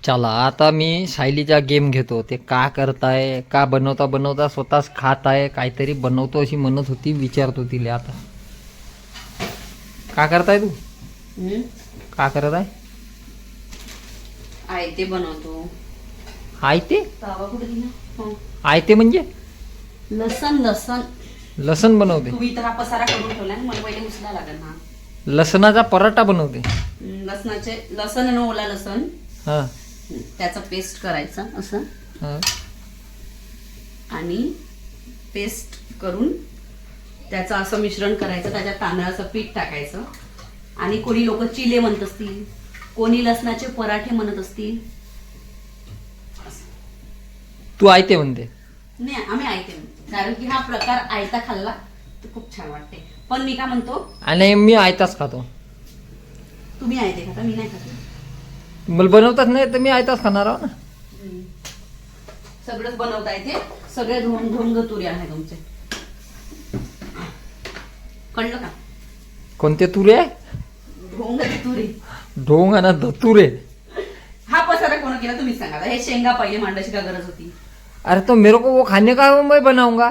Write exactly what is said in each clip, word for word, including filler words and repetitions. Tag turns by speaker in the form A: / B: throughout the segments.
A: चला आता मी सायलीचा गेम घेतो. ते का करताय, का बनवता बनवता स्वतःच खात आहे, काहीतरी बनवतो अशी म्हणत होती. विचारतो तिला आता का करताय तू.
B: हम्म
A: का करत आहे.
B: आयते बनवतो.
A: आयते
B: तावा कुठे दिला? हो.
A: आयते म्हणजे
B: लसण लसण
A: लसण बनवते.
B: तुम्ही इथं हा पसारा करून ठेवला ना, मला पहिले उचला लागेल ना.
A: लसणाचा पराठा बनवते.
B: हम्म, लसणाचे लसण आणि ओला लसण
A: हा
B: हम्म, त्याचा पेस्ट करायचा असं
A: हा
B: आणि पेस्ट करून त्याचं असं मिश्रण करायचं. त्याच्यात तांदळाचं पीठ टाकायचं आणि कोणी लोक चिले म्हणत असतील, कोणी लसणाचे पराठे म्हणत असतील.
A: तू आयते म्हणते.
B: नाही आम्ही आयते म्हणतो, कारण की हा प्रकार आयता खाल्ला तर खूप छान वाटते. पण मी काय म्हणतो,
A: आणि मी आयताच खातो.
B: तुम्ही आयते खाता, मी नाही खाते.
A: मला बनवताच नाही तर मी आयताच खाणार आहो ना.
B: हम्म. सगळंच बनवता येते. सगळे धोंग धोंग तुरे आहे तुमचे. कळलं का?
A: कोणते तुरे आहे.
B: ढोंग तुरे.
A: ढोंग आणि धतुरे.
B: हा पसारा कोण केला तुम्ही सांगा. हे शेंगा पहिले मांडायची का गरज होती?
A: अरे तो मेरे को वो खाने का मैं बनाऊंगा.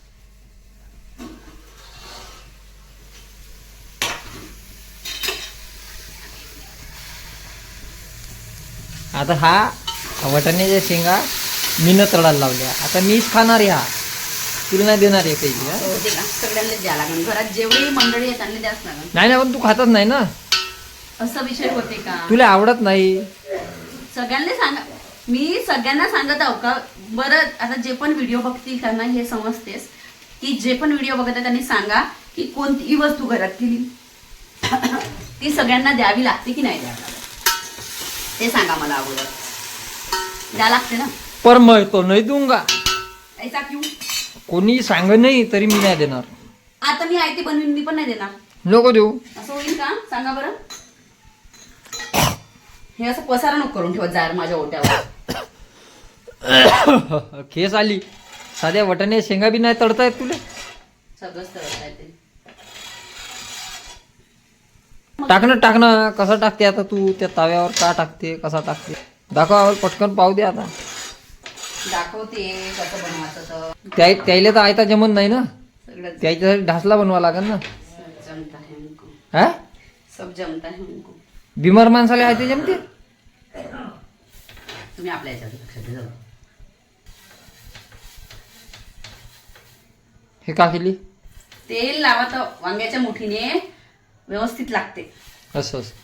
A: आता हा वटाण्याच्या शेंगा मीनं तळायला लावल्या. आता मीच खाणार ह्या, तुला नाही देणार आहे काही.
B: असं होते का? सगळ्यांना द्या लागेल. घरात जेवढी मंडळी आहेत त्यांना द्याच लागेल.
A: नाही ना, पण तू खातच नाही ना.
B: असा विषय होते का?
A: तुला आवडत नाही.
B: सगळ्यांना सांगा. मी सगळ्यांना सांगत आहो का बरं. आता जे पण व्हिडिओ बघतील त्यांना हे समजतेस की जे पण व्हिडिओ बघत आहे त्यांनी सांगा की कोणतीही वस्तू घरात केली ती सगळ्यांना द्यावी लागते की नाही द्यावी लागते ते सांगा मला अगोदर. द्या लागते ना.
A: पर मैं तो नाही दूंगा.
B: ऐसा क्यों?
A: कोणी सांग नाही तरी मी नाही देणार.
B: आता मी आयते बनवीन, मी पण नाही देणार.
A: नको देऊ.
B: असं होईल का? सांगा बरं. हे असं पसारा नको करून ठेवत जा माझ्या ओट्यावर.
A: केस आली. साध्या वटाणे शेंगा बी नाही तळता येत तुला.
B: सगळंच तळता येते.
A: टाकणं टाकणं कसं टाकते आता तू त्या ताव्यावर. का टाकते, कसा टाकते दाखव आम्हाला. पटकन पाहू दे आता.
B: दाखवते कसं बनवायचं तर.
A: त्या त्याला तर आयता जमत नाही ना.
B: सगळं
A: त्याच्यासाठी ढासला बनवा लागेल ना.
B: सब जमता है उनको.
A: हा
B: सब जमता है उनको.
A: बिमार माणसाला आयते जमते.
B: तुम्ही आपल्या याच्यात लक्ष द्या.
A: हे का केली.
B: तेल लावा तर वांग्याच्या मुठीने व्यवस्थित लागते.
A: असं असं.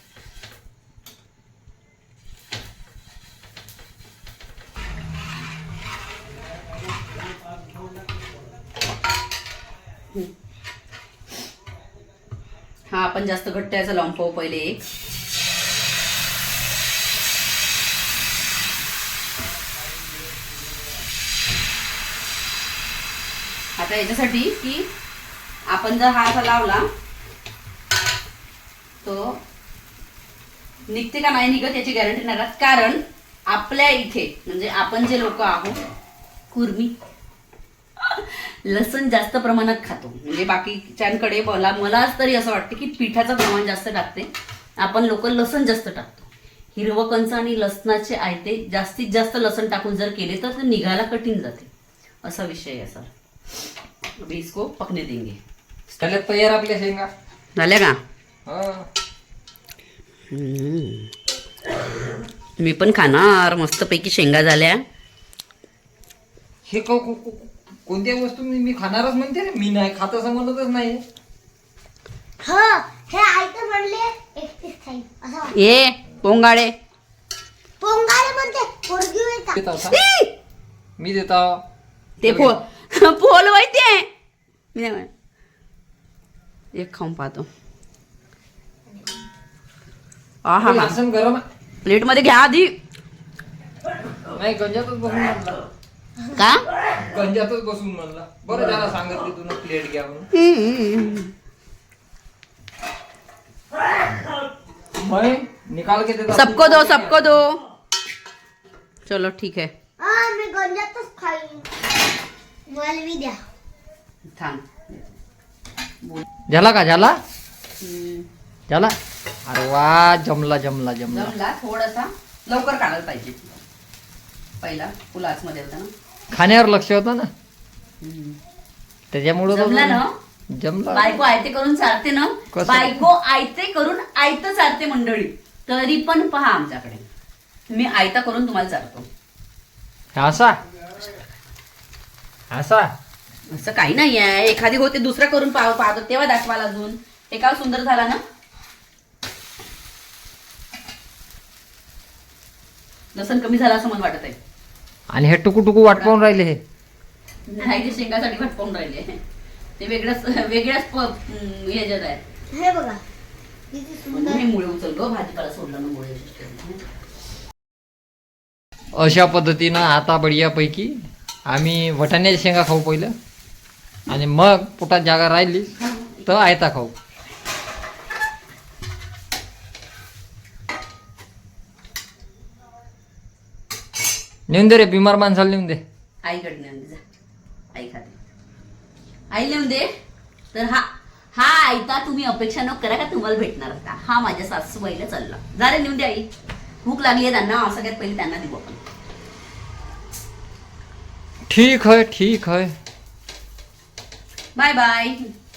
B: हा आपण जास्त घट्ट याचा लावून पाहू पहिले एक. आता याच्यासाठी की आपण जर हा असा लावला तो निघते का नाही निघत याची गॅरंटी नाही राहत. कारण आपल्या इथे म्हणजे आपण जे लोक आहोत कुर्मी लसण जास्त प्रमाणात खातो. म्हणजे बाकीच्यांकडे मला मलाच तरी असं वाटतं की पिठाचं प्रमाण जास्त टाकते. आपण लोक लसण जास्त टाकतो. हिरवं कंच आणि लसणाचे आयते जास्तीत जास्त लसण टाकून जर केले तर ते निघायला कठीण जाते. असा विषय आहे सर. अभी इसको पकने देंगे.
A: त्याला तयार आपल्या शेंगा
B: झाल्या का?
A: हा.
B: मी पण खाणार. मस्तपैकी शेंगा झाल्या.
A: हे को- को- को- कोणत्या वस्तू मी मी खाणारच म्हणते रे. मी नाही खात असं म्हणतच नाही.
C: हो हे आयतं म्हणले एकटीच खाईन असं वाटतं.
B: ए पोंगाळे
C: पोंगाले म्हणते पोरगी होय का?
A: देतो का? मी देतो.
B: ते फो फोल माहितीये. मी नाही म्हणत. एक खाऊन पाहतो. हा हा हा
A: लसूण गरम आहे.
B: प्लेट मध्ये घ्या आधी.
A: नाही गंजातच बसून म्हणला.
B: का?
A: गंजातच बसून म्हणला. बरं त्याला सांगितली तुला प्लेट घ्या म्हणून. मैं निकाल के देता.
B: सबको दो सबको दो. चलो ठीक है.
C: हा मी गंजातच खाईन. मला बी द्या.
B: थांब.
A: झाला का झाला
B: हम्म.
A: झाला. अरे वा जमला जमला जमला.
B: जमला थोडासा लवकर काढायला पाहिजे. पहिला फुल आतमध्ये होता ना.
A: खाण्यावर लक्ष होतं ना त्याच्यामुळं तो-
B: जमला ना.
A: जमला.
B: बायको आयते करून चालते ना.
A: कसं?
B: बायको आयते करून आयत चालते मंडळी. तरी पण पहा आमच्याकडे मी आयता करून तुम्हाला चालतो.
A: असा असा
B: असं काही नाही आहे. एखादी होते दुसरं करून पाह पाहतो तेव्हा दाखवाल अजून. हे का सुंदर झाला ना. लसण कमी झाला असं मला वाटत आहे.
A: आणि हे टुकू टुकू वाट पाहून राहिले हे
B: नाही ते शेंगासाठी भटकावून राहिले. ते वेगळ्याच वेगळ्याच प- अं, ह्याच्यात आहे.
C: हे बघा किती सुंदर.
B: हे मुळे उचल ग भाजीपाला सोडला ना मुळे.
A: अशा पद्धतीनं आता बढियापैकी आम्ही वटाण्याच्या शेंगा खाऊ पहिलं आणि मग पोटात जागा राहिली तर आयता खाऊ. नेऊन दे रे बिमार माणसाला नेऊन दे.
B: आईकडे नेऊन दे जा. आई खाते. आई नेऊन दे. तर हा हा आयता तुम्ही अपेक्षा न करा का तुम्हाला भेटणार होता. हा माझ्या सासूबाईला चालला. जा रे नेऊन दे आई. भूक लागली आहे त्यांना. सगळ्यात पहिले त्यांना देऊ आपण.
A: ठीक है ठीक है.
B: Bye bye.